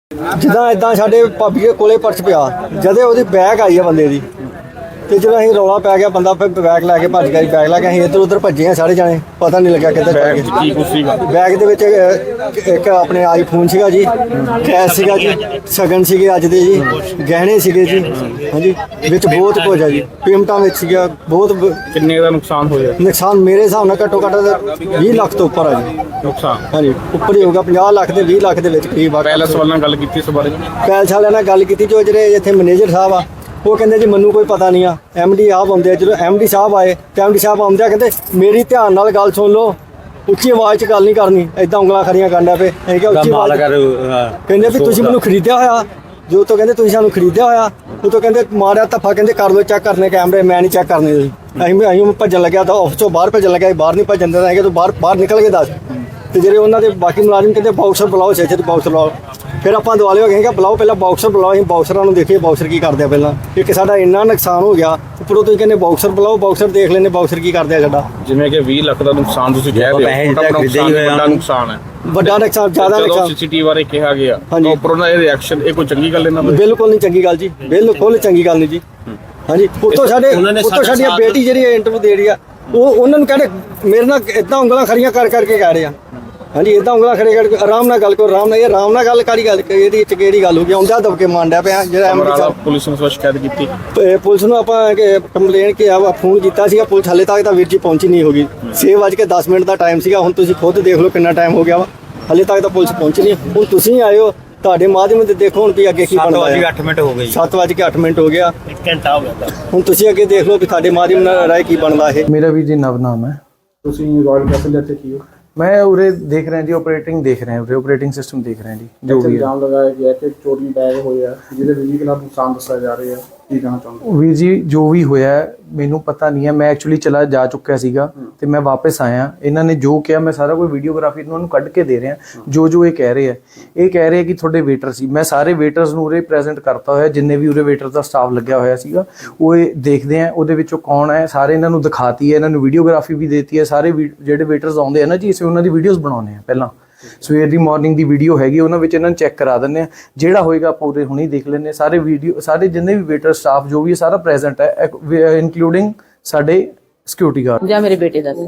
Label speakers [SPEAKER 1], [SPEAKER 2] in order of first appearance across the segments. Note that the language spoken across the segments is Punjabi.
[SPEAKER 1] ਜਿੱਦਾਂ ਇਦਾਂ ਸਾਡੇ ਭਾਬੀ ਦੇ ਕੋਲੇ ਪਰਸ ਪਿਆ, ਜਦੇ ਉਹਦੀ ਬੈਗ ਆਈ ਆ ਬੰਦੇ ਦੀ, ਤੇ ਜਦੋਂ ਅਸੀਂ ਰੌਲਾ ਪੈ ਗਿਆ ਬੰਦਾ ਫਿਰ ਬੈਗ ਲੈ ਕੇ ਭੱਜ ਗਿਆ। ਬੈਗ ਲੈ ਕੇ ਅਸੀਂ ਇੱਧਰ ਉੱਧਰ ਭੱਜੇ ਆ ਸਾਰੇ ਜਾਣੇ, ਪਤਾ ਨਹੀਂ ਲੱਗਿਆ ਕਿੱਧਰ ਬੈਗ ਕੀ ਕੁਛ ਸੀਗਾ। ਬੈਗ ਦੇ ਵਿੱਚ ਇੱਕ ਆਪਣੇ ਆਈਫੋਨ ਸੀਗਾ ਜੀ, ਕੈਸ਼ ਸੀਗਾ ਜੀ, ਸ਼ਗਨ ਸੀਗੇ ਅੱਜ ਦੇ ਜੀ, ਗਹਿਣੇ ਸੀਗੇ ਜੀ, ਹਾਂਜੀ ਵਿੱਚ ਬਹੁਤ ਕੁਝ ਆ ਜੀ, ਪੇਮੈਂਟਾਂ ਵਿੱਚ ਸੀਗਾ ਬਹੁਤ।
[SPEAKER 2] ਕਿੰਨੇ ਦਾ ਨੁਕਸਾਨ ਹੋਇਆ?
[SPEAKER 1] ਨੁਕਸਾਨ ਮੇਰੇ ਹਿਸਾਬ ਨਾਲ ਘੱਟੋ ਘੱਟ 20 ਲੱਖ ਤੋਂ ਉੱਪਰ ਆ ਜੀ
[SPEAKER 2] ਨੁਕਸਾਨ।
[SPEAKER 1] ਹਾਂਜੀ ਉੱਪਰ ਹੀ ਹੋਊਗਾ, 50 ਲੱਖ ਦੇ 20 ਲੱਖ ਦੇ ਵਿੱਚ ਕਰੀਬ ਆ।
[SPEAKER 2] ਪੈਲਸ ਵਾਲਿਆਂ ਨਾਲ ਗੱਲ ਕੀਤੀ ਇਸ ਬਾਰੇ?
[SPEAKER 1] ਪੈਲਸ ਵਾਲਿਆਂ ਨਾਲ ਗੱਲ ਕੀਤੀ, ਜੋ ਜਿਹੜੇ ਇੱਥੇ ਮੈਨੇਜਰ ਸਾਹਿਬ ਆ ਉਹ ਕਹਿੰਦੇ ਜੀ ਮੈਨੂੰ ਕੋਈ ਪਤਾ ਨਹੀਂ ਆ, MD ਆਪ ਆਉਂਦੇ ਆ। ਜਦੋਂ MD ਸਾਹਿਬ ਆਏ ਤੇ MD ਸਾਹਿਬ ਆਉਂਦੇ ਆ ਕਹਿੰਦੇ ਮੇਰੀ ਧਿਆਨ ਨਾਲ ਗੱਲ ਸੁਣ ਲਓ, ਉੱਚੀ ਆਵਾਜ਼ 'ਚ ਗੱਲ ਨਹੀਂ ਕਰਨੀ, ਐਦਾਂ ਉਂਗਲਾਂ ਖੜੀਆਂ ਕਰਨਾ ਪਏ। ਅਸੀਂ ਕਿਹਾ ਉੱਚੀ ਆਵਾਜ਼ ਕਹਿੰਦੇ ਵੀ ਤੁਸੀਂ ਮੈਨੂੰ ਖਰੀਦਿਆ ਹੋਇਆ, ਜੋ ਤੋਂ ਕਹਿੰਦੇ ਤੁਸੀਂ ਸਾਨੂੰ ਖਰੀਦਿਆ ਹੋਇਆ, ਉਹ ਤੋਂ ਕਹਿੰਦੇ ਮਾਰਿਆ ਧੱਫਾ, ਕਹਿੰਦੇ ਕਰ ਲਓ ਚੈੱਕ ਕਰਨੇ ਕੈਮਰੇ, ਮੈਂ ਨਹੀਂ ਚੈੱਕ ਕਰਨੇ ਜੀ। ਅਸੀਂ ਭੱਜਣ ਲੱਗਿਆ ਤਾਂ ਆਫਿਸ ਤੋਂ ਬਾਹਰ ਭੱਜਣ ਲੱਗਿਆ, ਬਾਹਰ ਨਹੀਂ ਭੱਜਣ ਦਿੰਦਾ ਹੈਗਾ, ਤੂੰ ਬਾਹਰ ਨਿਕਲ ਕੇ ਦੱਸ। ਤੇ ਜਿਹੜੇ ਉਹਨਾਂ ਦੇ ਬਾਕੀ ਮੁਲਾਜ਼ਮ ਕਹਿੰਦੇ ਬਾਕਸਰ ਬੁਲਾਓ, ਛੇ ਬਾਕਸਰ ਬੁਲਾਓ। ਫਿਰ ਆਪਾਂ ਦੁਆਲੇ ਹੋ ਗਏ ਕਿ ਬੁਲਾਓ ਪਹਿਲਾਂ ਬਾਕਸਰ ਬੁਲਾਓ, ਅਸੀਂ ਬਾਕਸਰਾਂ ਨੂੰ ਦੇਖੀਏ ਬਾਕਸਰ ਕੀ ਕਰਦੇ ਆ ਪਹਿਲਾਂ। ਇੱਕ ਸਾਡਾ ਇੰਨਾ ਨੁਕਸਾਨ ਹੋ ਗਿਆ, ਉੱਪਰੋਂ ਤੁਸੀਂ ਕਹਿੰਦੇ ਬਾਕਸਰ ਬੁਲਾਓ, ਬਾਕਸਰ ਦੇਖ ਲੈਂਦੇ ਬਾਕਸਰ ਕੀ ਕਰਦੇ ਆ ਸਾਡਾ।
[SPEAKER 2] ਜਿਵੇਂ ਕਿ 20 ਲੱਖ ਦਾ ਨੁਕਸਾਨ ਤੁਸੀਂ ਕਹਿ ਰਹੇ ਹੋ, ਵੱਡਾ ਨੁਕਸਾਨ ਹੈ,
[SPEAKER 1] ਵੱਡਾ ਨੁਕਸਾਨ, ਜ਼ਿਆਦਾ ਨੁਕਸਾਨ।
[SPEAKER 2] CCTV ਬਾਰੇ ਕਿਹਾ ਗਿਆ ਉੱਪਰੋਂ ਦਾ ਇਹ ਰਿਐਕਸ਼ਨ, ਇਹ ਕੋਈ ਚੰਗੀ ਗੱਲ ਇਹਨਾਂ ਦੀ?
[SPEAKER 1] ਬਿਲਕੁਲ ਨਹੀਂ ਚੰਗੀ ਗੱਲ ਜੀ, ਬਿਲਕੁਲ ਚੰਗੀ ਗੱਲ ਨਹੀਂ ਜੀ। ਹਾਂਜੀ ਉੱਤੋਂ ਸਾਡੀਆਂ ਬੇਟੀ ਜਿਹੜੀ ਇੰਟਰਵਿਊ ਦੇ ਰਹੀ ਆ, ਉਹ ਉਹਨਾਂ ਨੂੰ ਕਹਿੰਦੇ ਮੇਰੇ ਨਾਲ ਇਦਾਂ ਉਂਗਲਾਂ ਖੜੀਆਂ ਕਰਕੇ ਕਹਿ ਰਹੇ ਆ। ਹਾਂਜੀ ਇਦਾਂ ਉਂਗਲਾਂ ਖੜੇ ਕਰਕੇ ਆਰਾਮ ਨਾਲ ਗੱਲ ਕਰੋ, ਆਰਾਮ ਨਾਲ। ਇਹ ਆਰਾਮ ਨਾਲ ਗੱਲ ਕਾਹਦੀ ਗੱਲ, ਇਹਦੀ ਚ ਕਿਹੜੀ ਗੱਲ ਹੋ ਗਈ? ਆਉਂਦਾ ਦਬਕੇ ਮਾਂਡਿਆ ਪਿਆ ਜਿਹੜਾ
[SPEAKER 2] ਪੁਲਿਸ ਨੂੰ ਸ਼ਿਕਾਇਤ ਕੀਤੀ।
[SPEAKER 1] ਪੁਲਿਸ ਨੂੰ ਆਪਾਂ ਕੰਪਲੇਨ ਫੋਨ ਕੀਤਾ ਸੀਗਾ, ਪੁਲਿਸ ਹਾਲੇ ਤੱਕ ਤਾਂ ਵੀਰ ਜੀ ਪਹੁੰਚੀ ਨਹੀਂ ਹੋਗੀ। 6:10 ਦਾ ਟਾਈਮ ਸੀਗਾ, ਹੁਣ ਤੁਸੀਂ ਖੁਦ ਦੇਖ ਲਓ ਕਿੰਨਾ ਟਾਈਮ ਹੋ ਗਿਆ ਵਾ, ਹਾਲੇ ਤੱਕ ਤਾਂ ਪੁਲਿਸ ਪਹੁੰਚੀ ਨਹੀਂ। ਹੁਣ ਤੁਸੀਂ ਆਏ ਹੋ, ਤੁਹਾਡੇ ਮਾਧਿਅਮ ਤੇ ਦੇਖੋ ਹੁਣ ਵੀ ਅੱਗੇ ਕੀ ਬਣਦਾ ਹੈ।
[SPEAKER 2] 7:08 ਮਿੰਟ ਹੋ ਗਏ,
[SPEAKER 1] 7:08 ਹੋ ਗਿਆ,
[SPEAKER 2] 1 ਘੰਟਾ ਹੋ ਗਿਆ।
[SPEAKER 1] ਹੁਣ ਤੁਸੀਂ ਅੱਗੇ ਦੇਖ ਲਓ ਵੀ ਤੁਹਾਡੇ ਮਾਧਿਅਮ ਨਾਲ ਰਾਏ ਕੀ ਬਣਦਾ ਇਹ।
[SPEAKER 3] ਮੇਰਾ ਵੀ ਜੀ ਨਵ ਨਾਮ ਹੈ।
[SPEAKER 2] ਤੁਸੀਂ ਰਾਇਲ ਕੈਸਲ ਇੱਥੇ ਕੀ ਹੋ?
[SPEAKER 3] मैं उरे देख रहे हैं जी, ऑपरेटिंग देख रहे हैं, उरे ऑपरेटिंग सिस्टम देख रहे हैं जी। जो भी
[SPEAKER 2] ਇਲਜ਼ਾਮ ਲਗਾਇਆ ਗਿਆ ਕਿ ਚੋਰੀ ਬੈਗ ਹੋਇਆ, ਜਿਹਦੇ ਵੀ ਖਿਲਾਫ ਨੁਕਸਾਨ ਦੱਸਿਆ ਜਾ ਰਿਹਾ ਹੈ, ਕੀ ਕਹਿਣਾ ਚਾਹੁੰਦੇ?
[SPEAKER 3] ਵੀਰ ਜੀ ਜੋ ਵੀ ਹੋਇਆ ਮੈਨੂੰ ਪਤਾ ਨਹੀਂ ਹੈ, ਮੈਂ ਐਕਚੁਅਲੀ ਚਲਾ ਜਾ ਚੁੱਕਿਆ ਸੀਗਾ ਤੇ ਮੈਂ ਵਾਪਸ ਆਇਆ। ਇਹਨਾਂ ਨੇ ਜੋ ਕਿਹਾ ਮੈਂ ਸਾਰਾ ਕੋਈ ਵੀਡੀਓਗ੍ਰਾਫੀ ਉਹਨਾਂ ਨੂੰ ਕੱਢ ਕੇ ਦੇ ਰਿਹਾ। ਜੋ ਇਹ ਕਹਿ ਰਹੇ ਆ, ਇਹ ਕਹਿ ਰਹੇ ਕਿ ਤੁਹਾਡੇ ਵੇਟਰ ਸੀ। ਮੈਂ ਸਾਰੇ ਵੇਟਰਸ ਨੂੰ ਉਰੇ ਪ੍ਰੈਜ਼ੈਂਟ ਕਰਤਾ ਹੋਇਆ, ਜਿੰਨੇ ਵੀ ਉਰੇ ਵੇਟਰ ਦਾ ਸਟਾਫ ਲੱਗਿਆ ਹੋਇਆ ਸੀਗਾ, ਉਹ ਇਹ ਦੇਖਦੇ ਆ ਉਹਦੇ ਵਿੱਚੋਂ ਕੌਣ ਹੈ, ਸਾਰੇ ਇਹਨਾਂ ਨੂੰ ਦਿਖਾਤੀ ਹੈ, ਇਹਨਾਂ ਨੂੰ ਵੀਡੀਓਗ੍ਰਾਫੀ ਵੀ ਦੇਤੀ ਹੈ। ਸਾਰੇ ਜਿਹੜੇ ਵੇਟਰਸ ਆਉਂਦੇ ਆ ਨਾ ਜੀ, ਅਸੀਂ ਉਹਨਾਂ ਦੀ ਵੀਡੀਓਜ਼ ਬਣਾਉਂਦੇ ਆ। ਪਹਿਲਾਂ ਸਵੇਰ ਦੀ ਮਾਰਨਿੰਗ ਦੀ ਵੀਡੀਓ ਹੈਗੀ, ਉਹਨਾਂ ਵਿੱਚ ਇਹਨਾਂ ਨੂੰ ਚੈੱਕ ਕਰਾ ਦਿੰਦੇ ਆ। ਜਿਹੜਾ ਹੋਏਗਾ ਆਪਾਂ ਉਰੇ ਹੁਣੇ ਦੇਖ ਲੈਂਦੇ ਹਾਂ। ਸਾਰੇ ਵੀਡੀਓ, ਸਾਰੇ ਜਿੰਨੇ ਵੀ ਵੇਟਰ ਸਟਾਫ ਜੋ ਵੀ ਹੈ ਸਾਰਾ ਪ੍ਰੈਜ਼ੈਂਟ ਹੈ, ਇਨਕਲੂਡਿੰਗ ਸਾਡੇ ਸਿਕਿਉਰਿਟੀ ਗਾਰਡ ਜਾਂ
[SPEAKER 4] ਮੇਰੇ ਬੇਟੇ ਦਾ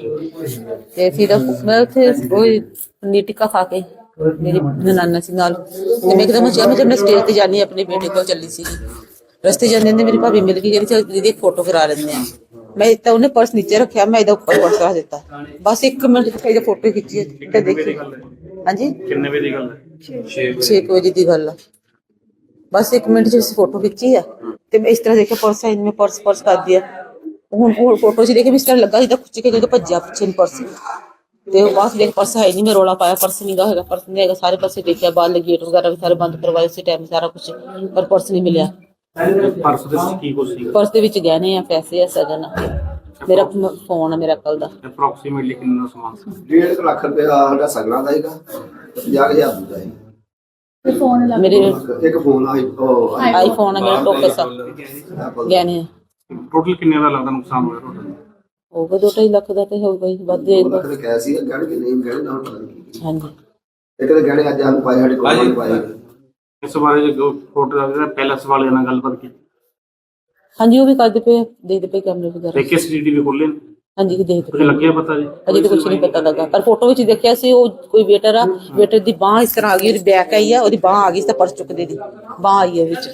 [SPEAKER 4] ਤੇ ਫਿਰ ਮੈਂ ਉੱਥੇ ਉਹ ਪਨੀਰ ਟਿੱਕਾ ਖਾ ਕੇ ਮੇਰੀ ਨਨਾਨਾ ਸੀ ਨਾਲ, ਤੇ ਮੈਂ ਇੱਕਦਮ ਜਦ ਮੈਂ ਸਟੇਜ ਤੇ ਜਾਣੀ ਆਪਣੇ ਬੇਟੇ ਕੋਲ ਚੱਲੀ ਸੀ, ਰਸਤੇ ਜਾਂਦੇ ਨੇ ਮੇਰੀ ਭਾਬੀ ਮਿਲ ਗਈ, ਕਹਿੰਦੀ ਦੀਦੀ ਇੱਕ ਫੋਟੋ ਕਰਾ ਲੈਂਦੇ ਆ। ਮੈਂ ਤਾਂ ਉਹਨੇ ਪਰਸ ਨੀਚੇ ਰੱਖਿਆ, ਮੈਂ ਇਹਦਾ ਉੱਪਰ ਪਰਸ ਰੱਖ ਦਿੱਤਾ। ਬਸ 1 ਮਿੰਟ ਤੱਕ ਇਹਦੀ ਫੋਟੋ ਖਿੱਚੀ ਤੇ ਦੇਖੀ। ਹਾਂਜੀ
[SPEAKER 2] ਕਿੰਨੇ ਵਜੇ ਦੀ ਗੱਲ ਹੈ?
[SPEAKER 4] 6 ਵਜੇ ਦੀ ਗੱਲ ਆ। ਬਸ 1 ਮਿੰਟ ਚ ਅਸੀਂ ਫੋਟੋ ਖਿੱਚੀ ਆ ਤੇ ਮੈਂ ਇਸ ਤਰ੍ਹਾਂ ਦੇਖਿਆ ਪਰਸ ਹੈ, ਮੈਂ ਪਰਸ ਕਰ ਦਿਆ। ਹੁਣ ਉਹ ਫੋਟੋ ਚ ਦੇਖੇ ਵੀ ਇਸ ਤਰ੍ਹਾਂ ਲੱਗਾ ਜਿੱਦਾਂ ਖੁੱਚ ਕੇ ਭੱਜਿਆ ਪਿੱਛੇ ਨੂੰ ਪਰਸ, ਤੇ ਉਹ ਬਾਅਦ ਦੇਖ ਪਰਸ ਹੈ ਨਹੀਂ। ਮੈਂ ਰੌਲਾ ਪਾਇਆ ਪਰਸ ਨਹੀਂ ਗਾ ਹੈਗਾ, ਪਰਸ ਨਹੀਂ ਹੈਗਾ। ਸਾਰੇ ਪਾਸੇ ਦੇਖਿਆ, ਬਾਹਰ ਗੇਟ ਵਗੈਰਾ ਵੀ ਸਾਰੇ ਬੰਦ ਕਰਵਾਏ ਉਸੇ ਟਾਈਮ, ਸਾਰਾ ਕੁਝ, ਪਰ ਪਰਸ ਨਹੀਂ ਮਿਲਿਆ।
[SPEAKER 2] ਪਰਸ ਦੇ ਵਿੱਚ ਕੀ ਕੁਝ ਸੀ?
[SPEAKER 4] ਪਰਸ ਦੇ ਵਿੱਚ ਗਹਿਣੇ ਆ, ਪੈਸੇ ਆ, ਸਗਨ ਆ, ਮੇਰਾ ਫੋਨ ਆ, ਮੇਰਾ ਕੱਲ ਦਾ।
[SPEAKER 2] ਅਪਰੋਕਸੀਮੇਟਲੀ ਕਿੰਨਾ ਸਮਾਨ ਸੀ?
[SPEAKER 5] 1.5 ਲੱਖ ਰੁਪਏ ਸਾਡਾ ਸਗਣਾ ਦਾ ਹੈਗਾ, 50,000 ਦਾ ਹੈ।
[SPEAKER 4] ਮੇਰੇ
[SPEAKER 5] ਇੱਕ ਫੋਨ
[SPEAKER 4] ਆਈਫੋਨ ਆ, ਮੇਰਾ ਟੋਪਸ ਆ, ਗਹਿਣੇ ਆ।
[SPEAKER 2] ਟੋਟਲ ਕਿੰਨੇ ਦਾ ਲੱਗਦਾ ਨੁਕਸਾਨ ਹੋਇਆ ਟੋਟਲ?
[SPEAKER 4] ਹੋਊਗਾ 2-2.5 ਲੱਖ ਦਾ ਤੇ ਹੋਊਗਾ ਹੀ, ਵੱਧ ਜਾਏਗਾ।
[SPEAKER 5] ਕਿਹਾ ਸੀ ਗਹਿਣੇ ਕਿ ਨਹੀਂ ਗਹਿਣੇ ਨਾਲ ਪਤਾ ਨਹੀਂ।
[SPEAKER 4] ਹਾਂਜੀ
[SPEAKER 5] ਇੱਕ ਤਾਂ ਗਹਿਣੇ ਅੱਜ ਸਾਨੂੰ ਪਾਏ, ਸਾਡੇ ਕੋਲ ਨਹੀਂ ਪਾਏ।
[SPEAKER 2] ਇਸ ਬਾਰੇ ਜੋ ਫੋਟੋ ਦਾ ਪੈਲਸ ਵਾਲਿਆਂ ਨਾਲ ਗੱਲਬਾਤ ਕੀਤੀ?
[SPEAKER 4] ਹਾਂਜੀ ਉਹ ਵੀ ਕਰਦੇ ਪਏ, ਦੇਖਦੇ ਪਏ ਕੈਮਰੇ ਵਗੈਰਾ।
[SPEAKER 2] ਦੇਖੇ CCTV ਖੋਲੇ?
[SPEAKER 4] ਹਾਂਜੀ ਦੇਖਦੇ
[SPEAKER 2] ਕੁਝ ਲੱਗਿਆ ਪਤਾ ਜੀ?
[SPEAKER 4] ਅਜੇ ਤਾਂ ਕੁਝ ਨਹੀਂ ਪਤਾ ਲੱਗਾ, ਪਰ ਫੋਟੋ ਵਿੱਚ ਦੇਖਿਆ ਸੀ ਉਹ ਕੋਈ ਵੇਟਰ ਆ, ਵੇਟਰ ਦੀ ਬਾਂਹ ਇਸ ਤਰ੍ਹਾਂ ਆ ਗਈ, ਉਹਦੀ ਬੈਕ ਆਈ ਆ, ਉਹਦੀ ਬਾਂਹ ਆ ਗਈ ਤਾਂ ਪਰਸ ਚੁੱਕਦੇ ਦੀ ਬਾਂਹ ਆਈ ਹੈ ਵਿੱਚ,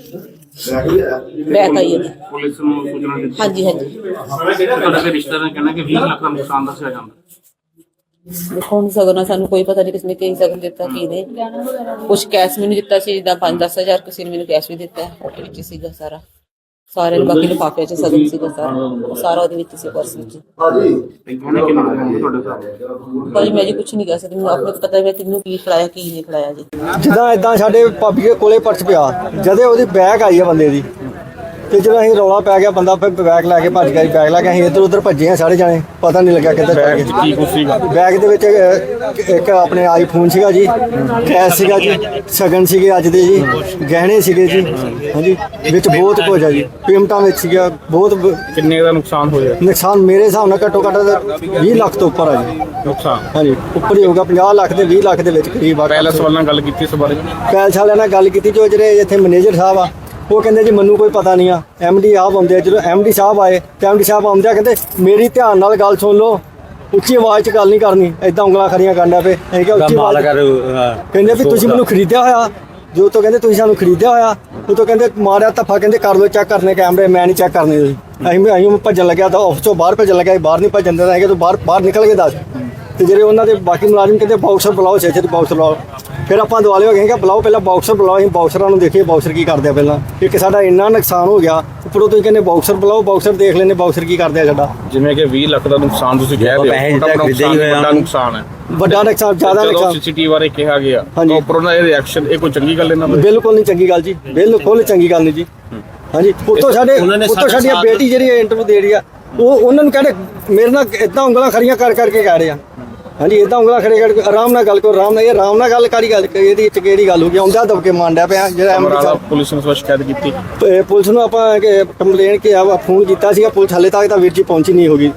[SPEAKER 4] ਬੈਕ ਆਈ ਹੈ।
[SPEAKER 2] ਪੁਲਿਸ ਨੂੰ ਸੂਚਨਾ ਦਿੱਤੀ?
[SPEAKER 4] ਹਾਂਜੀ
[SPEAKER 2] ਤੁਹਾਡੇ ਰਿਸ਼ਤੇਦਾਰਾਂ ਨੇ ਕਹਿਣਾ ਕਿ 20 ਲੱਖ ਦਾ ਨੁਕਸਾਨ ਦੱਸਿਆ ਜਾਂਦਾ।
[SPEAKER 4] ਦੇਖੋ ਹੁਣ ਸਗਨ ਸਾਨੂੰ ਕੋਈ ਪਤਾ ਨਹੀਂ ਕਿਸਨੇ ਕੀ ਸਗਨ ਦਿੱਤਾ ਕੀ ਨਹੀਂ। ਕੁਛ ਕੈਸ਼ ਮੈਨੂੰ ਦਿੱਤਾ ਸੀ, ਜਿੱਦਾਂ 5-10 ਹਜ਼ਾਰ ਕਿਸੇ ਨੇ ਮੈਨੂੰ ਕੈਸ਼ ਵੀ ਦਿੱਤਾ, ਉਹਦੇ ਵਿੱਚ ਸੀਗਾ ਸਾਰਾ। ਸਾਰੇ ਬਾਕੀ ਲਿਫਾਫੇ ਚ ਸਗਨ ਸੀਗਾ ਸਾਰਾ ਉਹਦੇ ਵਿੱਚ ਸੀ, ਪਰਸ ਵਿੱਚ। ਭਾਜੀ ਮੈਂ ਜੀ ਕੁਛ ਨਹੀਂ ਕਹਿ ਸਕਦੀ, ਮੈਨੂੰ ਆਪਣੇ ਪਤਾ ਹੈ ਤੈਨੂੰ ਕੀ ਖਿਲਾਇਆ ਕੀ ਨਹੀਂ ਖਿਲਾਇਆ ਜੀ।
[SPEAKER 1] ਜਿੱਦਾਂ ਇਦਾਂ ਸਾਡੇ ਭਾਬੀ ਦੇ ਕੋਲੇ ਪਰਸ ਪਿਆ, ਜਦੇ ਉਹਦੀ ਬੈਗ ਆਈ ਆ ਬੰਦੇ ਦੀ, ਤੇ ਜਦੋਂ ਅਸੀਂ ਰੌਲਾ ਪੈ ਗਿਆ ਬੰਦਾ ਫਿਰ ਬੈਗ ਲੈ ਕੇ ਭੱਜ ਗਿਆ ਜੀ। ਬੈਗ ਲੈ ਕੇ ਅਸੀਂ ਇੱਧਰ ਉੱਧਰ ਭੱਜੇ ਆ ਸਾਰੇ ਜਾਣੇ, ਪਤਾ ਨਹੀਂ ਲੱਗਿਆ ਕਿੱਧਰ ਚਲੇ ਗਏ।
[SPEAKER 2] ਕੀ ਕੁਛ ਸੀਗਾ?
[SPEAKER 1] ਬੈਗ ਦੇ ਵਿੱਚ ਇੱਕ ਆਪਣੇ ਆਈਫੋਨ ਸੀਗਾ ਜੀ, ਕੈਸ਼ ਸੀਗਾ ਜੀ, ਸ਼ਗਨ ਸੀਗੇ ਅੱਜ ਦੇ ਜੀ, ਗਹਿਣੇ ਸੀਗੇ ਜੀ। ਹਾਂਜੀ, ਵਿੱਚ ਬਹੁਤ ਕੁਝ ਆ ਜੀ, ਪੇਮੈਂਟਾਂ ਵਿੱਚ ਸੀਗਾ ਬਹੁਤ
[SPEAKER 2] ਕਿੰਨੇ ਦਾ ਨੁਕਸਾਨ ਹੋਇਆ?
[SPEAKER 1] ਨੁਕਸਾਨ ਮੇਰੇ ਹਿਸਾਬ ਨਾਲ ਘੱਟੋ ਘੱਟ 20 ਲੱਖ ਤੋਂ ਉੱਪਰ ਆ ਜੀ।
[SPEAKER 2] ਨੁਕਸਾਨ
[SPEAKER 1] ਹਾਂਜੀ, ਉੱਪਰ ਹੀ ਹੋਊਗਾ, 50 ਲੱਖ ਦੇ 20 ਲੱਖ ਦੇ ਵਿੱਚ ਕਰੀਬ ਆ।
[SPEAKER 2] ਪੈਲਸ ਵਾਲਿਆਂ ਨਾਲ ਗੱਲ ਕੀਤੀ ਇਸ ਬਾਰੇ?
[SPEAKER 1] ਪੈਲਸ ਵਾਲਿਆਂ ਨਾਲ ਗੱਲ ਕੀਤੀ, ਜੋ ਜਿਹੜੇ ਇੱਥੇ ਮੈਨੇਜਰ ਸਾਹਿਬ ਆ ਉਹ ਕਹਿੰਦੇ ਜੀ ਮੈਨੂੰ ਕੋਈ ਪਤਾ ਨਹੀਂ ਆ। ਐਮਡੀ ਆਪ ਆਉਂਦੇ ਆ, ਜਦੋਂ ਐਮਡੀ ਸਾਹਿਬ ਆਏ ਤੇ ਐਮਡੀ ਸਾਹਿਬ ਆਉਂਦੇ ਆ ਕਹਿੰਦੇ ਮੇਰੀ ਧਿਆਨ ਨਾਲ ਗੱਲ ਸੁਣ ਲਓ, ਉੱਚੀ ਆਵਾਜ਼ 'ਚ ਗੱਲ ਨਹੀਂ ਕਰਨੀ, ਐਦਾਂ ਉਂਗਲਾਂ ਖੜੀਆਂ ਕਰਨਾ ਪਏ। ਅਸੀਂ ਕਿਹਾ ਉੱਚੀ ਆਵਾਜ਼ ਕਹਿੰਦੇ ਵੀ ਤੁਸੀਂ ਮੈਨੂੰ ਖਰੀਦਿਆ ਹੋਇਆ, ਜੋ ਤੋਂ ਕਹਿੰਦੇ ਤੁਸੀਂ ਸਾਨੂੰ ਖਰੀਦਿਆ ਹੋਇਆ, ਉਹ ਤੋਂ ਕਹਿੰਦੇ ਮਾਰਿਆ ਧੱਫਾ, ਕਹਿੰਦੇ ਕਰ ਲਓ ਚੈੱਕ ਕਰਨੇ ਕੈਮਰੇ, ਮੈਂ ਨਹੀਂ ਚੈੱਕ ਕਰਨੇ ਤੁਸੀਂ। ਅਸੀਂ ਭੱਜਣ ਲੱਗਿਆ ਤਾਂ ਆਫਿਸ ਤੋਂ ਬਾਹਰ ਭੱਜਣ ਲੱਗਿਆ, ਬਾਹਰ ਨਹੀਂ ਭੱਜਣ ਦੇਣਾ ਹੈਗਾ, ਤੂੰ ਬਾਹਰ ਨਿਕਲ ਕੇ ਦੱਸ। ਤੇ ਜਿਹੜੇ ਉਹਨਾਂ ਦੇ ਬਾਕੀ ਮੁਲਾਜ਼ਮ ਕਹਿੰਦੇ ਬਾਕਸਰ ਬੁਲਾਓ, ਛੇ ਬਾਕਸਰ ਬੁਲਾਓ। ਫਿਰ ਆਪਾਂ ਦੁਆਲੇ ਹੋ ਗਏ ਕਿ ਬੁਲਾਓ, ਪਹਿਲਾਂ ਬਾਕਸਰ ਬੁਲਾਓ। ਅਸੀਂ ਬਾਕਸਰਾਂ ਨੂੰ ਦੇਖੀਏ ਬਾਕਸਰ ਕੀ ਕਰਦੇ ਆ ਪਹਿਲਾਂ। ਇੱਕ ਸਾਡਾ ਇੰਨਾ ਨੁਕਸਾਨ ਹੋ ਗਿਆ, ਉੱਪਰੋਂ ਤੁਸੀਂ ਕਹਿੰਦੇ ਬਾਕਸਰ ਬੁਲਾਓ, ਬਾਕਸਰ ਦੇਖ ਲੈਂਦੇ ਬਾਕਸਰ ਕੀ ਕਰਦੇ ਆ ਸਾਡਾ।
[SPEAKER 2] ਜਿਵੇਂ ਕਿ 20 ਲੱਖ ਦਾ ਨੁਕਸਾਨ ਤੁਸੀਂ ਕਹਿ ਰਹੇ ਹੋ, ਵੱਡਾ ਨੁਕਸਾਨ ਹੈ,
[SPEAKER 1] ਵੱਡਾ ਨੁਕਸਾਨ, ਜ਼ਿਆਦਾ ਨੁਕਸਾਨ।
[SPEAKER 2] ਸੀਸੀਟੀਵੀ ਬਾਰੇ ਕਿਹਾ ਗਿਆ,
[SPEAKER 1] ਹਾਂਜੀ।
[SPEAKER 2] ਉੱਪਰੋਂ ਦਾ ਇਹ ਰਿਐਕਸ਼ਨ, ਇਹ ਕੋਈ ਚੰਗੀ ਗੱਲ ਇਹਨਾਂ ਦੀ?
[SPEAKER 1] ਬਿਲਕੁਲ ਨਹੀਂ ਚੰਗੀ ਗੱਲ ਜੀ, ਬਿਲਕੁਲ ਚੰਗੀ ਗੱਲ ਨਹੀਂ ਜੀ। ਹਾਂਜੀ, ਉੱਤੋਂ ਸਾਡੀ ਬੇਟੀ ਜਿਹੜੀ ਇੰਟਰਵਿਊ ਦੇ ਰਹੀ ਆ, ਉਹ ਉਹਨਾਂ ਨੂੰ ਕਹਿੰਦੇ ਮੇਰੇ ਨਾਲ ਇਦਾਂ ਉਂਗਲਾਂ ਖੜੀਆਂ ਕਰਕੇ ਕਹਿ ਰਹੇ ਆ। ਹਾਂਜੀ, ਇਦਾਂ ਉਂਗਲਾਂ ਖੜੇ ਕਰਕੇ ਆਰਾਮ ਨਾਲ ਗੱਲ ਕਰੋ, ਆਰਾਮ ਨਾਲ। ਇਹ ਆਰਾਮ ਨਾਲ ਗੱਲ ਕਰੀ, ਇਹਦੀ ਵਿੱਚ ਕਿਹੜੀ ਗੱਲ ਹੋ ਗਈ? ਆਉਂਦਾ ਦਬਕੇ ਮਾਰਦਾ ਪਿਆ ਜਿਹੜਾ ਐਮਡੀ ਸਾਹਿਬ।
[SPEAKER 2] ਪੁਲਿਸ ਨੂੰ ਸ਼ਿਕਾਇਤ ਕੀਤੀ?
[SPEAKER 1] ਪੁਲਿਸ ਨੂੰ ਆਪਾਂ ਕੰਪਲੇਨ ਫੋਨ ਕੀਤਾ ਸੀਗਾ, ਪੁਲਿਸ ਹਾਲੇ ਤੱਕ ਤਾਂ ਵੀਰ ਜੀ ਪਹੁੰਚੀ ਨਹੀਂ ਹੋਗੀ।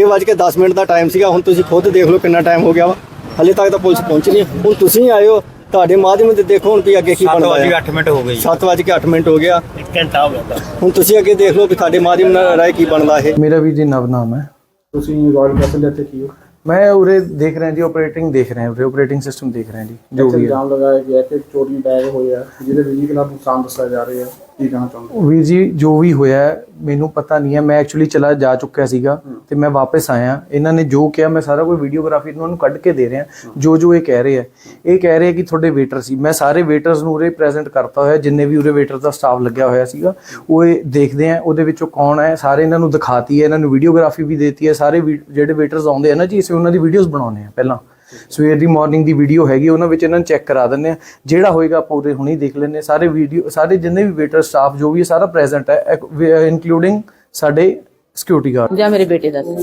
[SPEAKER 1] 6:10 ਦਾ ਟਾਈਮ ਸੀਗਾ, ਹੁਣ ਤੁਸੀਂ ਖੁਦ ਦੇਖ ਲਓ ਕਿੰਨਾ ਟਾਈਮ ਹੋ ਗਿਆ ਵਾ, ਹਾਲੇ ਤੱਕ ਤਾਂ ਪੁਲਿਸ ਪਹੁੰਚੀ ਨਹੀਂ। ਹੁਣ ਤੁਸੀਂ ਆਏ ਹੋ, ਤੁਹਾਡੇ ਮਾਧਿਅਮ ਤੇ ਦੇਖੋ ਹੁਣ ਵੀ ਅੱਗੇ ਕੀ ਬਣਦਾ ਹੈ।
[SPEAKER 3] 7:08 ਮਿੰਟ ਹੋ ਗਈ,
[SPEAKER 1] 7:08 ਹੋ ਗਿਆ,
[SPEAKER 3] 1 ਘੰਟਾ ਹੋ ਗਿਆ।
[SPEAKER 1] ਹੁਣ ਤੁਸੀਂ ਅੱਗੇ ਦੇਖ ਲਓ ਵੀ ਤੁਹਾਡੇ ਮਾਧਿਅਮ ਨਾਲ ਰਾਏ ਕੀ ਬਣਦਾ ਇਹ।
[SPEAKER 3] ਮੇਰਾ ਵੀ ਜੀ ਨਵ ਨਾਮ ਹੈ।
[SPEAKER 2] ਤੁਸੀਂ ਰਾਇਲ ਕੈਸਲ ਇੱਥੇ ਕੀ ਹੋ?
[SPEAKER 3] मैं उरे देख रहे हैं जी, ऑपरेटिंग देख रहे हैं, ऑपरेटिंग सिस्टम देख रहे हैं जी, जो भी है।
[SPEAKER 2] ਇਲਜ਼ਾਮ ਲਗਾਇਆ ਗਿਆ ਕਿ ਚੋਰੀ ਬੈਗ ਹੋਇਆ, ਜਿਹਦੇ ਬਿਜਲੀ ਖਿਲਾਫ ਨੁਕਸਾਨ ਦੱਸਿਆ ਜਾ ਰਿਹਾ ਹੈ, ਕੀ ਕਹਿਣਾ ਚਾਹੁੰਦੇ?
[SPEAKER 3] ਵੀਰ ਜੀ ਜੋ ਵੀ ਹੋਇਆ ਮੈਨੂੰ ਪਤਾ ਨਹੀਂ ਹੈ, ਮੈਂ ਐਕਚੁਅਲੀ ਚਲਾ ਜਾ ਚੁੱਕਿਆ ਸੀਗਾ ਤੇ ਮੈਂ ਵਾਪਸ ਆਇਆ। ਇਹਨਾਂ ਨੇ ਜੋ ਕਿਹਾ ਮੈਂ ਸਾਰਾ ਕੋਈ ਵੀਡੀਓਗ੍ਰਾਫੀ ਇਹਨਾਂ ਨੂੰ ਕੱਢ ਕੇ ਦੇ ਰਿਹਾ। ਜੋ ਇਹ ਕਹਿ ਰਹੇ ਆ, ਇਹ ਕਹਿ ਰਹੇ ਕਿ ਤੁਹਾਡੇ ਵੇਟਰ ਸੀ। ਮੈਂ ਸਾਰੇ ਵੇਟਰਸ ਨੂੰ ਉਰੇ ਪ੍ਰੈਜ਼ੈਂਟ ਕਰਤਾ ਹੋਇਆ, ਜਿੰਨੇ ਵੀ ਉਰੇ ਵੇਟਰ ਦਾ ਸਟਾਫ ਲੱਗਿਆ ਹੋਇਆ ਸੀਗਾ, ਉਹ ਇਹ ਦੇਖਦੇ ਆ ਉਹਦੇ ਵਿੱਚੋਂ ਕੌਣ ਹੈ, ਸਾਰੇ ਇਹਨਾਂ ਨੂੰ ਦਿਖਾਤੀ ਹੈ, ਇਹਨਾਂ ਨੂੰ ਵੀਡੀਓਗ੍ਰਾਫੀ ਵੀ ਦੇਤੀ ਹੈ। ਸਾਰੇ ਜਿਹੜੇ ਵੇਟਰਸ ਆਉਂਦੇ ਆ ਨਾ ਜੀ, ਅਸੀਂ ਉਹਨਾਂ ਦੀ ਵੀਡੀਓਜ਼ ਬਣਾਉਂਦੇ ਆ। ਪਹਿਲਾਂ ਸਵੇਰ ਦੀ ਮਾਰਨਿੰਗ ਦੀ ਵੀਡੀਓ ਹੈਗੀ, ਉਹਨਾਂ ਵਿੱਚ ਇਹਨਾਂ ਨੂੰ ਚੈੱਕ ਕਰਾ ਦਿੰਦੇ ਆ। ਜਿਹੜਾ ਹੋਏਗਾ ਆਪਾਂ ਉਰੇ ਹੁਣੇ ਦੇਖ ਲੈਂਦੇ ਹਾਂ। ਸਾਰੇ ਵੀਡੀਓ, ਸਾਰੇ ਜਿੰਨੇ ਵੀ ਵੇਟਰ ਸਟਾਫ ਜੋ ਵੀ ਸਾਰਾ ਪ੍ਰੈਜ਼ੈਂਟ ਹੈ, ਇਨਕਲੂਡਿੰਗ ਸਾਡੇ ਸਿਕਿਉਰਿਟੀ ਗਾਰਡ
[SPEAKER 4] ਜਾਂ ਮੇਰੇ ਬੇਟੇ ਦਾ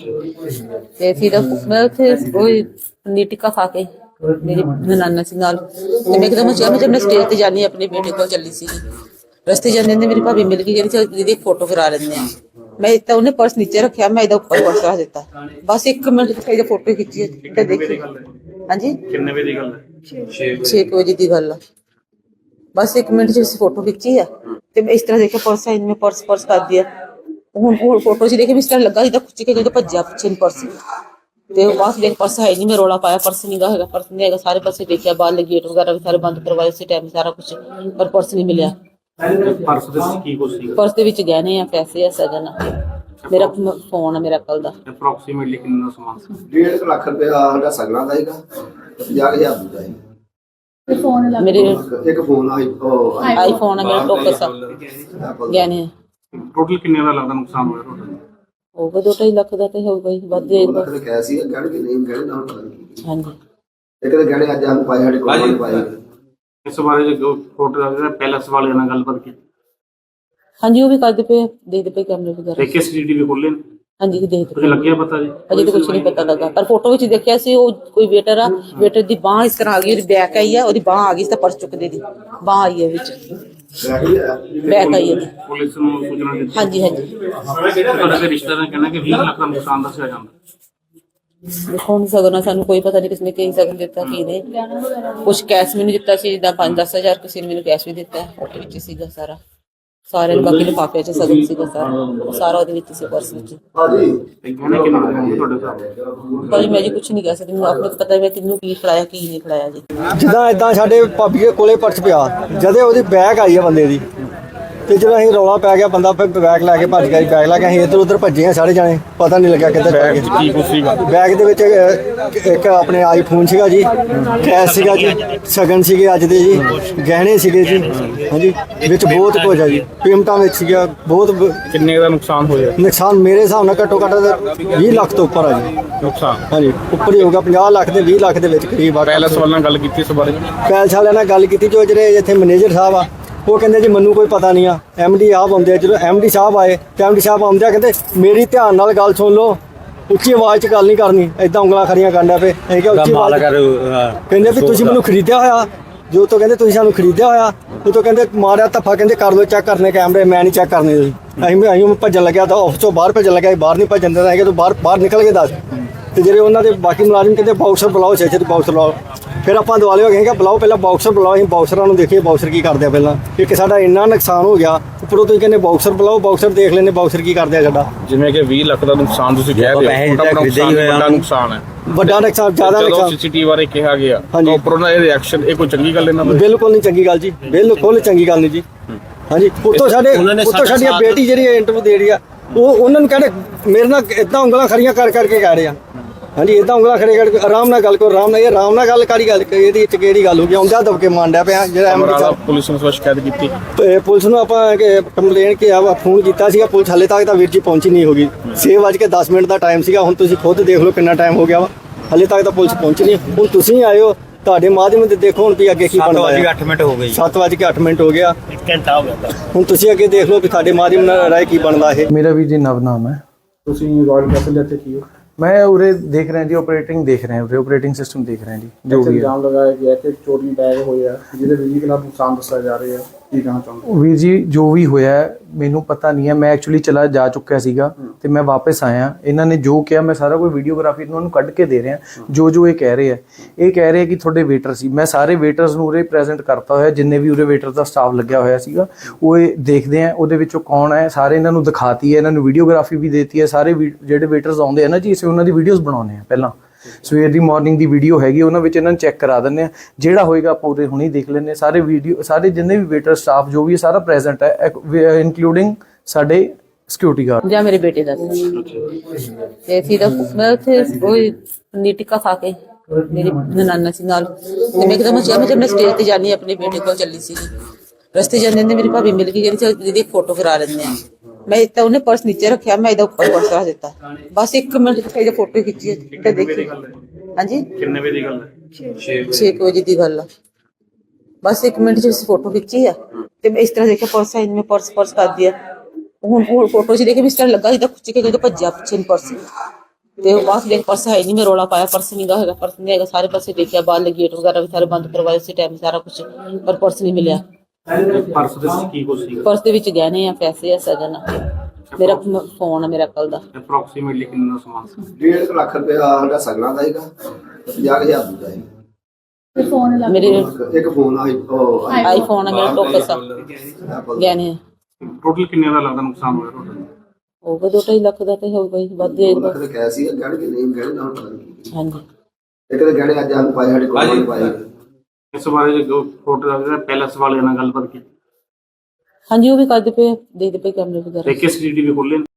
[SPEAKER 4] ਤੇ ਫਿਰ ਮੈਂ ਉੱਥੇ ਉਹ ਪਨੀਰ ਟਿੱਕਾ ਖਾ ਕੇ ਮੇਰੀ ਨਨਾਨਾ ਸੀ ਨਾਲ, ਤੇ ਮੈਂ ਇੱਕਦਮ ਚਾਹ ਮੈਂ ਜਦ ਮੈਂ ਸਟੇਜ ਤੇ ਜਾਣੀ ਆਪਣੇ ਬੇਟੇ ਕੋਲ ਚੱਲੀ ਸੀ, ਰਸਤੇ ਜਾਂਦੇ ਨੇ ਮੇਰੀ ਭਾਬੀ ਮਿਲ ਗਈ, ਜਿਹੜੀ ਦੀਦੀ ਫੋਟੋ ਕਰਾ ਲੈਂਦੇ ਆ। ਮੈਂ ਤਾਂ ਉਹਨੇ ਪਰਸ ਨੀਚੇ ਰੱਖਿਆ, ਮੈਂ ਇਹਦਾ ਉੱਪਰ ਪਰਸ ਰੱਖ ਦਿੱਤਾ। ਬਸ 1 ਮਿੰਟ ਚ ਇਹਦੀ ਫੋਟੋ ਖਿੱਚੀ ਤੇ ਦੇਖੀ। ਹਾਂਜੀ,
[SPEAKER 2] ਕਿੰਨੇ ਵਜੇ ਦੀ ਗੱਲ ਹੈ?
[SPEAKER 4] 6 ਵਜੇ ਦੀ ਗੱਲ ਆ। ਬਸ 1 ਮਿੰਟ ਚ ਅਸੀਂ ਫੋਟੋ ਖਿੱਚੀ ਆ ਤੇ ਮੈਂ ਇਸ ਤਰ੍ਹਾਂ ਦੇਖਿਆ ਪਰਸ ਹੈ, ਮੈਂ ਪਰਸ ਕਰ ਦਿਆ। ਹੁਣ ਫੋਟੋ 'ਚ ਦੇਖੇ ਵੀ ਇਸ ਤਰ੍ਹਾਂ ਲੱਗਾ ਜਿੱਦਾਂ ਖੁੱਚ ਕੇ ਜਦੋਂ ਭੱਜਿਆ ਪਿੱਛੇ ਨੂੰ ਪਰਸ, ਤੇ ਉਹ ਬਾਅਦ ਦੇਖ ਪਰਸ ਹੈ ਨਹੀਂ। ਮੈਂ ਰੌਲਾ ਪਾਇਆ ਪਰਸ ਨਹੀਂ ਗਾ ਹੈਗਾ, ਪਰਸ ਨਹੀਂ ਹੈਗਾ। ਸਾਰੇ ਪਾਸੇ ਦੇਖਿਆ, ਬਾਹਰ ਗੇਟ ਵਗੈਰਾ ਵੀ ਸਾਰੇ ਬੰਦ ਕਰਵਾਏ ਉਸੇ ਟਾਈਮ, ਸਾਰਾ ਕੁਝ, ਪਰ ਪਰਸ ਨਹੀਂ ਮਿਲਿਆ।
[SPEAKER 2] ਪਰਸ ਦੇ ਵਿੱਚ ਕੀ ਕੁਝ ਸੀ?
[SPEAKER 4] ਪਰਸ ਦੇ ਵਿੱਚ ਗਹਿਣੇ ਆ, ਪੈਸੇ ਆ, ਸਗਨ ਆ, ਮੇਰਾ ਫੋਨ ਆ ਮੇਰਾ ਕੱਲ ਦਾ।
[SPEAKER 2] ਅਪਰੋਕਸੀਮੇਟਲੀ ਕਿੰਨਾ ਸਮਾਨ ਸੀ?
[SPEAKER 5] 1.5 ਲੱਖ ਰੁਪਇਆ ਸਾਡਾ ਸਗਣਾ ਦਾ ਹੈਗਾ, 50,000 ਦਾ ਹੈ।
[SPEAKER 4] ਮੇਰੇ
[SPEAKER 5] ਇੱਕ ਫੋਨ
[SPEAKER 4] ਆਈਫੋਨ ਆ ਮੇਰਾ, ਟੋਕਸ ਆ, ਗਹਿਣੇ ਆ।
[SPEAKER 2] ਟੋਟਲ ਕਿੰਨੇ ਦਾ ਲੱਗਦਾ ਨੁਕਸਾਨ ਹੋਇਆ ਤੁਹਾਡਾ?
[SPEAKER 4] ਹੋਊਗਾ 2-2.5 ਲੱਖ ਦਾ ਤੇ ਹੋਊਗਾ ਹੀ, ਵੱਧ ਜਾਏਗਾ।
[SPEAKER 5] ਲੱਖ ਕਹਿ ਸੀ ਗਹਿਣੇ ਕਿ ਨਹੀਂ ਗਹਿਣੇ ਨਾਲ ਪਤਾ ਨਹੀਂ।
[SPEAKER 4] ਹਾਂਜੀ,
[SPEAKER 5] ਇੱਕ ਤਾਂ ਗਹਿਣੇ ਅੱਜ ਸਾਨੂੰ ਪਾਏ, ਸਾਡੇ ਕੋਲ ਨਹੀਂ ਪਾਏ।
[SPEAKER 2] ਇਸ ਬਾਰੇ ਜੋ ਫੋਟੋ ਦਾ ਪੈਲਸ ਵਾਲਿਆਂ ਨਾਲ ਗੱਲਬਾਤ ਕੀਤੀ?
[SPEAKER 4] ਹਾਂਜੀ, ਉਹ ਵੀ ਕਰਦੇ ਪਏ, ਦੇਖਦੇ ਪਏ ਕੈਮਰੇ ਵਗੈਰਾ।
[SPEAKER 2] ਦੇਖੇ ਸੀਸੀਟੀਵੀ ਖੋਲੇ?
[SPEAKER 4] ਹਾਂਜੀ, ਦੇਖਦੇ
[SPEAKER 2] ਕੁਝ
[SPEAKER 4] ਪਏ।
[SPEAKER 2] ਲੱਗਿਆ ਪਤਾ ਜੀ?
[SPEAKER 4] ਅਜੇ ਤਾਂ ਕੁਝ ਨਹੀਂ ਪਤਾ ਲੱਗਾ, ਪਰ ਫੋਟੋ ਵਿੱਚ ਦੇਖਿਆ ਸੀ ਉਹ ਕੋਈ ਵੇਟਰ ਆ, ਵੇਟਰ ਦੀ ਬਾਹ ਇਸ ਤਰ੍ਹਾਂ ਆ ਗਈ, ਉਹਦੀ ਬੈਕ ਆਈ ਆ, ਉਹਦੀ ਬਾਹ ਆ ਗਈ ਤਾਂ ਪਰਸ ਚੁੱਕਦੇ ਦੀ ਬਾਹ ਆਈ ਹੈ ਵਿੱਚ, ਬੈਕ ਆਈ ਹੈ।
[SPEAKER 2] ਪੁਲਿਸ ਨੂੰ ਸੂਚਨਾ ਦਿੱਤੀ?
[SPEAKER 4] ਹਾਂਜੀ ਹਾਂਜੀ,
[SPEAKER 2] ਤੁਹਾਡੇ ਦੇ ਰਿਸ਼ਤੇਦਾਰਾਂ ਨੇ ਕਹਿਣਾ ਕਿ 20 ਲੱਖ ਦਾ ਨੁਕਸਾਨ ਦੱਸਿਆ ਜਾਂਦਾ।
[SPEAKER 4] ਦੇਖੋ ਨਹੀਂ ਸਕਦਾ, ਸਾਨੂੰ ਕੋਈ ਪਤਾ ਨਹੀਂ ਕਿਸਨੇ ਕੀ ਸਕਨ ਦਿੱਤਾ ਕੀ ਨਹੀਂ। ਕੁਛ ਕੈਸ਼ ਮੈਨੂੰ ਦਿੱਤਾ ਸੀ, ਜਿੱਦਾਂ 5-10 ਹਜ਼ਾਰ, ਕਿਸੇ ਨੇ ਮੈਨੂੰ ਕੈਸ਼ ਵੀ ਦਿੱਤਾ, ਉਹਦੇ ਵਿੱਚ ਸੀਗਾ ਸਾਰਾ। ਸਾਰਿਆਂ ਨੂੰ ਬਾਕੀ ਲਿਫਾਫੇ 'ਚ ਸਗਨ ਸੀਗਾ ਸਾਰਾ ਉਹਦੇ ਵਿੱਚ ਸੀ, ਪਰਸ ਵਿੱਚ।
[SPEAKER 2] ਗਹਿਣੇ ਕਿੰਨੇ ਹੋਣਗੇ ਤੁਹਾਡੇ ਹਿਸਾਬ?
[SPEAKER 4] ਭਾਜੀ ਮੈਂ ਜੀ ਕੁਛ ਨਹੀਂ ਕਹਿ ਸਕਦੀ, ਮੈਨੂੰ ਆਪਣੇ ਤੋਂ ਪਤਾ ਹੈ ਕਿਹਨੂੰ ਕੀ ਖਿਲਾਇਆ ਕੀ ਨਹੀਂ ਖਿਲਾਇਆ ਜੀ।
[SPEAKER 1] ਜਿੱਦਾਂ ਇਦਾਂ ਸਾਡੇ ਭਾਬੀ ਦੇ ਕੋਲੇ ਪਰਸ ਪਿਆ, ਜਦੇ ਉਹਦੀ ਬੈਗ ਆਈ ਆ ਬੰਦੇ ਦੀ, ਤੇ ਜਦੋਂ ਅਸੀਂ ਰੌਲਾ ਪੈ ਗਿਆ ਬੰਦਾ ਫਿਰ ਬੈਗ ਲੈ ਕੇ ਭੱਜ ਗਿਆ ਜੀ। ਬੈਗ ਲੈ ਕੇ ਅਸੀਂ ਇੱਧਰ ਉੱਧਰ ਭੱਜੇ ਆ ਸਾਰੇ ਜਾਣੇ, ਪਤਾ ਨਹੀਂ ਲੱਗਿਆ ਕਿੱਧਰ ਚਲੇ ਗਏ।
[SPEAKER 2] ਕੀ ਕੁਝ ਸੀਗਾ?
[SPEAKER 1] ਬੈਗ ਦੇ ਵਿੱਚ ਇੱਕ ਆਪਣੇ ਆਈਫੋਨ ਸੀਗਾ ਜੀ, ਕੈਸ਼ ਸੀਗਾ ਜੀ, ਸ਼ਗਨ ਸੀਗੇ ਅੱਜ ਦੇ ਜੀ, ਗਹਿਣੇ ਸੀਗੇ ਜੀ। ਹਾਂਜੀ, ਵਿੱਚ ਬਹੁਤ ਕੁਝ ਆ ਜੀ, ਪੇਮੈਂਟਾਂ ਵਿੱਚ ਸੀਗਾ ਬਹੁਤ।
[SPEAKER 2] ਕਿੰਨੇ ਦਾ ਨੁਕਸਾਨ ਹੋਇਆ?
[SPEAKER 1] ਨੁਕਸਾਨ ਮੇਰੇ ਹਿਸਾਬ ਨਾਲ ਘੱਟੋ ਘੱਟ 20 ਲੱਖ ਤੋਂ ਉੱਪਰ ਆ ਜੀ।
[SPEAKER 2] ਨੁਕਸਾਨ
[SPEAKER 1] ਹਾਂਜੀ, ਉੱਪਰ ਹੀ ਹੋਊਗਾ, 50 ਲੱਖ ਦੇ 20 ਲੱਖ ਦੇ ਵਿੱਚ ਕਰੀਬ ਆ।
[SPEAKER 2] ਪੈਲਸ ਵਾਲਿਆਂ ਨਾਲ ਗੱਲ ਕੀਤੀ ਇਸ ਬਾਰੇ?
[SPEAKER 1] ਪੈਲਸ ਵਾਲਿਆਂ ਨਾਲ ਗੱਲ ਕੀਤੀ, ਜੋ ਜਿਹੜੇ ਇੱਥੇ ਮੈਨੇਜਰ ਸਾਹਿਬ ਆ ਉਹ ਕਹਿੰਦੇ ਜੀ ਮੈਨੂੰ ਕੋਈ ਪਤਾ ਨਹੀਂ ਆ ਐਮਡੀ ਸਾਹਿਬ ਆਉਂਦੇ ਆ। ਜਦੋਂ ਐਮਡੀ ਸਾਹਿਬ ਆਏ ਤੇ ਐਮਡੀ ਸਾਹਿਬ ਆਉਂਦਿਆਂ ਕਹਿੰਦੇ ਮੇਰੀ ਧਿਆਨ ਨਾਲ ਗੱਲ ਸੁਣ ਲਓ, ਉੱਚੀ ਆਵਾਜ਼ 'ਚ ਗੱਲ ਨਹੀਂ ਕਰਨੀ, ਐਦਾਂ ਉਂਗਲਾਂ ਖੜੀਆਂ ਕਰਨ ਪਏ। ਅਸੀਂ ਕਿਹਾ ਉੱਚੀ ਆਵਾਜ਼ ਕਹਿੰਦੇ ਵੀ ਤੁਸੀਂ ਮੈਨੂੰ ਖਰੀਦਿਆ ਹੋਇਆ, ਜੋ ਤੋਂ ਕਹਿੰਦੇ ਤੁਸੀਂ ਸਾਨੂੰ ਖਰੀਦਿਆ ਹੋਇਆ, ਉਹ ਤੋਂ ਕਹਿੰਦੇ ਮਾਰਿਆ ਧੱਫਾ, ਕਹਿੰਦੇ ਕਰ ਲਓ ਚੈੱਕ ਕਰਨੇ ਕੈਮਰੇ, ਮੈਂ ਨਹੀਂ ਚੈੱਕ ਕਰਨੇ ਤੁਸੀਂ। ਅਸੀਂ ਭੱਜਣ ਲੱਗਿਆ ਤਾਂ ਆਫਿਸ ਤੋਂ ਬਾਹਰ ਭੱਜਣ ਲੱਗਿਆ, ਬਾਹਰ ਨਹੀਂ ਭੱਜਣ ਦੇਣਾ ਹੈਗਾ, ਤੂੰ ਬਾਹਰ ਨਿਕਲ ਕੇ ਦੱਸ। ਤੇ ਜਿਹੜੇ ਉਹਨਾਂ ਦੇ ਬਾਕੀ ਮੁਲਾਜ਼ਮ ਕਹਿੰਦੇ ਬਾਕਸਰ ਬੁਲਾਓ, ਛੇ ਬਾਕਸਰ ਬੁਲਾਓ। ਫਿਰ ਆਪਾਂ ਦੁਆਲੇ ਹੋ ਗਏ ਕਿ ਬੁਲਾਓ, ਪਹਿਲਾਂ ਬਾਕਸਰ ਬੁਲਾਓ। ਅਸੀਂ ਬਾਕਸਰਾਂ ਨੂੰ ਦੇਖੀਏ ਬਾਕਸਰ ਕੀ ਕਰਦੇ ਆ ਪਹਿਲਾਂ। ਇੱਕ ਸਾਡਾ ਇੰਨਾ ਨੁਕਸਾਨ ਹੋ ਗਿਆ, ਉੱਪਰੋਂ ਤੁਸੀਂ ਕਹਿੰਦੇ ਬਾਕਸਰ ਬੁਲਾਓ, ਬਾਕਸਰ ਦੇਖ ਲੈਂਦੇ ਬਾਕਸਰ ਕੀ ਕਰਦੇ ਆ ਸਾਡਾ।
[SPEAKER 6] ਜਿਵੇਂ ਕਿ 20 ਲੱਖ ਦਾ ਨੁਕਸਾਨ ਤੁਸੀਂ ਕਹਿ ਰਹੇ ਹੋ, ਵੱਡਾ ਨੁਕਸਾਨ ਹੈ,
[SPEAKER 1] ਵੱਡਾ ਨੁਕਸਾਨ, ਜ਼ਿਆਦਾ ਨੁਕਸਾਨ।
[SPEAKER 6] ਸੀਸੀਟੀਵੀ ਬਾਰੇ ਕਿਹਾ ਗਿਆ,
[SPEAKER 1] ਹਾਂਜੀ।
[SPEAKER 6] ਉੱਪਰ ਉਹਨਾਂ ਦੇ ਰਿਐਕਸ਼ਨ, ਇਹ ਕੋਈ ਚੰਗੀ ਗੱਲ ਇਹਨਾਂ ਦੀ?
[SPEAKER 1] ਬਿਲਕੁਲ ਨਹੀਂ ਚੰਗੀ ਗੱਲ ਜੀ, ਬਿਲਕੁਲ ਚੰਗੀ ਗੱਲ ਨਹੀਂ ਜੀ। ਹਾਂਜੀ, ਉੱਤੋਂ ਸਾਡੀ ਬੇਟੀ ਜਿਹੜੀ ਇੰਟਰਵਿਊ ਦੇ ਰਹੀ ਆ, ਉਹ ਉਹਨਾਂ ਨੂੰ ਕਹਿੰਦੇ ਮੇਰੇ ਨਾਲ ਇਦਾਂ ਉਂਗਲਾਂ ਖੜੀਆਂ ਕਰਕੇ ਕਹਿ ਰਹੇ ਆ। ਹਾਂਜੀ, ਇਦਾਂ ਉਂਗਲਾਂ ਖੜੇ ਕਰਕੇ ਆਰਾਮ ਨਾਲ ਗੱਲ ਕਰੋ, ਆਰਾਮ ਨਾਲ। ਇਹ ਆਰਾਮ ਨਾਲ ਗੱਲ ਕਰੀ, ਗੱਲ ਇਹਦੀ ਵਿੱਚ ਕਿਹੜੀ ਗੱਲ ਹੋ ਗਈ? ਆਉਂਦਾ ਦਬਕੇ ਮਾਰਦਾ ਪਿਆ ਜਿਹੜਾ ਐਮਡੀ ਸਾਹਿਬ।
[SPEAKER 6] ਪੁਲਿਸ ਨੂੰ ਸ਼ਿਕਾਇਤ ਕੀਤੀ?
[SPEAKER 1] ਪੁਲਿਸ ਨੂੰ ਆਪਾਂ ਕੰਪਲੇਨ ਕਿਹਾ ਵਾ, ਫੋਨ ਕੀਤਾ ਸੀਗਾ, ਪੁਲਿਸ ਹਾਲੇ ਤੱਕ ਤਾਂ ਵੀਰ ਜੀ ਪਹੁੰਚੀ ਨਹੀਂ ਹੋਗੀ। 6:10 ਦਾ ਟਾਈਮ ਸੀਗਾ, ਹੁਣ ਤੁਸੀਂ ਖੁਦ ਦੇਖ ਲਓ ਕਿੰਨਾ ਟਾਈਮ ਹੋ ਗਿਆ ਵਾ, ਹਾਲੇ ਤੱਕ ਤਾਂ ਪੁਲਿਸ ਪਹੁੰਚੀ ਨਹੀਂ। ਹੁਣ ਤੁਸੀਂ ਆਏ ਹੋ, ਤੁਹਾਡੇ ਮਾਧਿਅਮ ਤੇ ਦੇਖੋ ਹੁਣ ਵੀ ਅੱਗੇ ਕੀ ਬਣਦਾ ਹੈ।
[SPEAKER 7] 7:08 ਮਿੰਟ ਹੋ ਗਏ
[SPEAKER 1] 7:08 ਮਿੰਟ ਹੋ ਗਿਆ,
[SPEAKER 7] 1 ਘੰਟਾ ਹੋ ਗਿਆ।
[SPEAKER 1] ਹੁਣ ਤੁਸੀਂ ਅੱਗੇ ਦੇਖ ਲਓ ਵੀ ਤੁਹਾਡੇ ਮਾਧਿਅਮ ਨਾਲ ਰਾਏ ਕੀ ਬਣਦਾ ਇਹ।
[SPEAKER 3] ਮੇਰਾ ਵੀ ਜੀ ਨਵ ਨਾਮ ਹੈ।
[SPEAKER 2] ਤੁਸੀਂ ਰਾਇਲ ਕੈਸਲ ਦੇ ਇੱਥੇ ਕੀ ਹੋ?
[SPEAKER 3] ਮੈਂ ਉਰੇ ਦੇਖ ਰਿਹਾ ਜੀ, ਆਪਰੇਟਿੰਗ ਦੇਖ ਰਹੇ ਹਾਂ, ਉਰੇ ਆਪਰੇਟਿੰਗ ਸਿਸਟਮ ਦੇਖ ਰਹੇ ਹਾਂ ਜੀ, ਜੋ ਵੀ ਹੈ।
[SPEAKER 2] ਇਲਜ਼ਾਮ ਲਗਾਇਆ ਗਿਆ ਕਿ ਚੋਰੀ ਬੈਗ ਹੋਏ ਆ ਜਿਹਦੇ ਵਿੱਚ ਖਿਲਾਫ ਨੁਕਸਾਨ ਦੱਸਿਆ ਜਾ ਰਿਹਾ ਹੈ, ਕੀ ਕਹਿਣਾ ਚਾਹੁੰਦੇ?
[SPEAKER 3] ਵੀਰ ਜੀ ਜੋ ਵੀ ਹੋਇਆ ਹੈ, ਮੈਨੂੰ ਪਤਾ ਨਹੀਂ ਹੈ। ਮੈਂ ਐਕਚੁਅਲੀ ਚਲਾ ਜਾ ਚੁੱਕਿਆ ਸੀਗਾ ਤੇ ਮੈਂ ਵਾਪਸ ਆਇਆ। ਇਹਨਾਂ ਨੇ ਜੋ ਕਿਹਾ, ਮੈਂ ਸਾਰਾ ਕੋਈ ਵੀਡੀਓਗ੍ਰਾਫੀ ਇਹਨਾਂ ਨੂੰ ਕੱਢ ਕੇ ਦੇ ਰਿਹਾ। ਜੋ ਇਹ ਕਹਿ ਰਹੇ ਆ, ਇਹ ਕਹਿ ਰਹੇ ਕਿ ਤੁਹਾਡੇ ਵੇਟਰ ਸੀ। ਮੈਂ ਸਾਰੇ ਵੇਟਰਸ ਨੂੰ ਉਰੇ ਪ੍ਰੈਜ਼ੈਂਟ ਕਰਤਾ ਹੋਇਆ, ਜਿੰਨੇ ਵੀ ਉਰੇ ਵੇਟਰ ਦਾ ਸਟਾਫ ਲੱਗਿਆ ਹੋਇਆ ਸੀਗਾ। ਉਹ ਇਹ ਦੇਖਦੇ ਆ ਉਹਦੇ ਵਿੱਚੋਂ ਕੌਣ ਹੈ, ਸਾਰੇ ਇਹਨਾਂ ਨੂੰ ਦਿਖਾਤੀ ਹੈ, ਇਹਨਾਂ ਨੂੰ ਵੀਡੀਓਗ੍ਰਾਫੀ ਵੀ ਦੇਤੀ ਹੈ। ਸਾਰੇ ਜਿਹੜੇ ਵੇਟਰਸ ਆਉਂਦੇ ਆ ਨਾ ਜੀ, ਅਸੀਂ ਉਹਨਾਂ ਦੀ ਵੀਡੀਓਜ਼ ਬਣਾਉਂਦੇ ਆ। ਪਹਿਲਾਂ ਸਵੇਰ ਦੀ ਮਾਰਨਿੰਗ ਦੀ ਵੀਡੀਓ ਹੈਗੀ, ਉਹਨਾਂ ਵਿੱਚ ਇਹਨਾਂ ਨੂੰ ਚੈੱਕ ਕਰਾ ਦਿੰਦੇ ਆ। ਜਿਹੜਾ ਹੋਏਗਾ ਆਪਾਂ ਉਰੇ ਹੁਣੇ ਦੇਖ ਲੈਂਦੇ। ਸਾਰੇ ਵੀਡੀਓ, ਸਾਰੇ ਜਿੰਨੇ ਵੀ ਵੇਟਰ ਸਟਾਫ ਜੋ ਵੀ ਹੈ, ਸਾਰਾ ਪ੍ਰੈਜ਼ੈਂਟ ਹੈ, ਇਨਕਲੂਡਿੰਗ ਸਾਡੇ ਸਿਕਿਉਰਿਟੀ ਗਾਰਡ।
[SPEAKER 4] ਜਾਂ ਮੇਰੇ ਬੇਟੇ ਦਾ ਤੇ ਅਸੀਂ ਤਾਂ ਮੈਂ ਉੱਥੇ ਉਹ ਪਨੀਰ ਟਿੱਕਾ ਖਾ ਕੇ ਮੇਰੀ ਨਨਾਨਾ ਸੀ ਨਾਲ, ਤੇ ਮੈਂ ਇੱਕਦਮ ਚਾਹ ਮੈਂ ਜਦ ਮੈਂ ਸਟੇਜ ਤੇ ਜਾਣੀ ਆਪਣੇ ਬੇਟੇ ਕੋਲ ਚੱਲੀ ਸੀ, ਰਸਤੇ ਜਾਂਦੇ ਨੇ ਮੇਰੀ ਭਾਬੀ ਮਿਲ ਗਈ, ਜਿਹੜੀ ਦੀਦੀ ਫੋਟੋ ਕਰਾ ਲੈਂਦੇ ਆ। ਮੈਂ ਤਾਂ ਉਹਨੇ ਪਰਸ ਨੀਚੇ ਰੱਖਿਆ, ਮੈਂ ਇਹਦਾ ਉੱਪਰ ਪਰਸ ਰੱਖ ਦਿੱਤਾ। ਬਸ 1 ਮਿੰਟ ਚ ਇਹਦੀ ਫੋਟੋ ਖਿੱਚੀ ਤੇ ਦੇਖੀ। ਹਾਂਜੀ,
[SPEAKER 6] ਕਿੰਨੇ ਵਜੇ ਦੀ ਗੱਲ ਹੈ?
[SPEAKER 4] 6 ਵਜੇ ਦੀ ਗੱਲ ਆ। ਬਸ 1 ਮਿੰਟ ਚ ਫੋਟੋ ਖਿੱਚੀ ਆ ਤੇ ਮੈਂ ਇਸ ਤਰ੍ਹਾਂ ਦੇਖਿਆ ਪਰਸ ਹੈ, ਮੈਂ ਪਰਸ ਕਰ ਦਿਆ। ਹੁਣ ਫੋਟੋ ਚ ਦੇਖੇ ਵੀ ਇਸ ਤਰ੍ਹਾਂ ਲੱਗਾ ਜਿੱਦਾਂ ਖੁੱਚ ਕੇ ਜਦੋਂ ਭੱਜਿਆ ਪਿੱਛੇ ਨੂੰ ਪਰਸ, ਤੇ ਉਹ ਬਾਅਦ ਦੇਖ ਪਰਸ ਹੈ ਨਹੀਂ। ਮੈਂ ਰੋਲਾ ਪਾਇਆ, ਪਰਸ ਨਹੀਂ ਗਾ ਹੈਗਾ, ਪਰਸ ਨਹੀਂ ਹੈਗਾ। ਸਾਰੇ ਪਾਸੇ ਦੇਖਿਆ, ਬਾਹਰ ਗੇਟ ਵਗੈਰਾ ਵੀ ਸਾਰੇ ਬੰਦ ਕਰਵਾਏ ਉਸੇ ਟਾਈਮ, ਸਾਰਾ ਕੁਝ, ਪਰ ਪਰਸ ਨਹੀਂ ਮਿਲਿਆ।
[SPEAKER 6] ਪਰਸ ਦੇ ਵਿੱਚ ਕੀ ਕੁਝ ਸੀ?
[SPEAKER 4] ਪਰਸ ਦੇ ਵਿੱਚ ਗਹਿਣੇ ਆ, ਪੈਸੇ ਆ, ਸਜਨ ਆ, ਮੇਰਾ ਫੋਨ ਆ, ਮੇਰਾ ਕੱਲ ਦਾ।
[SPEAKER 6] ਅਪਰੋਕਸੀਮੇਟਲੀ ਕਿੰਨਾ ਦਾ ਸਮਾਨ ਸੀ?
[SPEAKER 5] 1.5 ਲੱਖ ਰੁਪਏ ਸਾਡਾ ਸਗਣਾ ਦਾ ਹੈਗਾ, 50,000 ਦੂਜਾ ਹੈ।
[SPEAKER 4] ਮੇਰੇ
[SPEAKER 5] ਇੱਕ ਫੋਨ
[SPEAKER 4] ਆਈਫੋਨ ਆ, ਮੇਰਾ ਟੋਕਸ ਆ, ਗਹਿਣੇ ਆ।
[SPEAKER 6] ਟੋਟਲ ਕਿੰਨੇ ਦਾ ਲੱਗਦਾ ਨੁਕਸਾਨ ਹੋਇਆ ਟੋਟਲ?
[SPEAKER 4] ਹੋਊਗਾ 2-2.5 ਲੱਖ ਦਾ ਤੇ ਹੋਊਗਾ ਹੀ, ਵੱਧ ਦੇ।
[SPEAKER 5] ਲੱਖ ਦੇ ਕੈਸ਼ ਸੀ, ਗਹਿਣੇ ਕਿ ਨਹੀਂ ਗਹਿਣੇ ਨਾਲ ਪਤਾ ਨਹੀਂ।
[SPEAKER 4] ਹਾਂਜੀ,
[SPEAKER 5] ਇੱਕ ਦੇ ਗਹਿਣੇ ਅੱਜ ਸਾਨੂੰ ਪਾਏ, ਸਾਡੇ ਕੋਲ ਪਾਏ।
[SPEAKER 6] ਇਸ ਬਾਰੇ ਜੋ ਫੋਟੋ ਦਾ ਪੈਲਸ ਵਾਲਿਆਂ ਨਾਲ ਗੱਲਬਾਤ ਕੀਤੀ?
[SPEAKER 4] ਹਾਂਜੀ, ਉਹ ਵੀ ਕਰਦੇ ਪਏ, ਦੇਖਦੇ ਪਏ ਕੈਮਰੇ ਵਗੈਰਾ।
[SPEAKER 6] ਤੇ ਕਿਸ ਸੀਸੀਟੀਵੀ ਖੋਲੇ?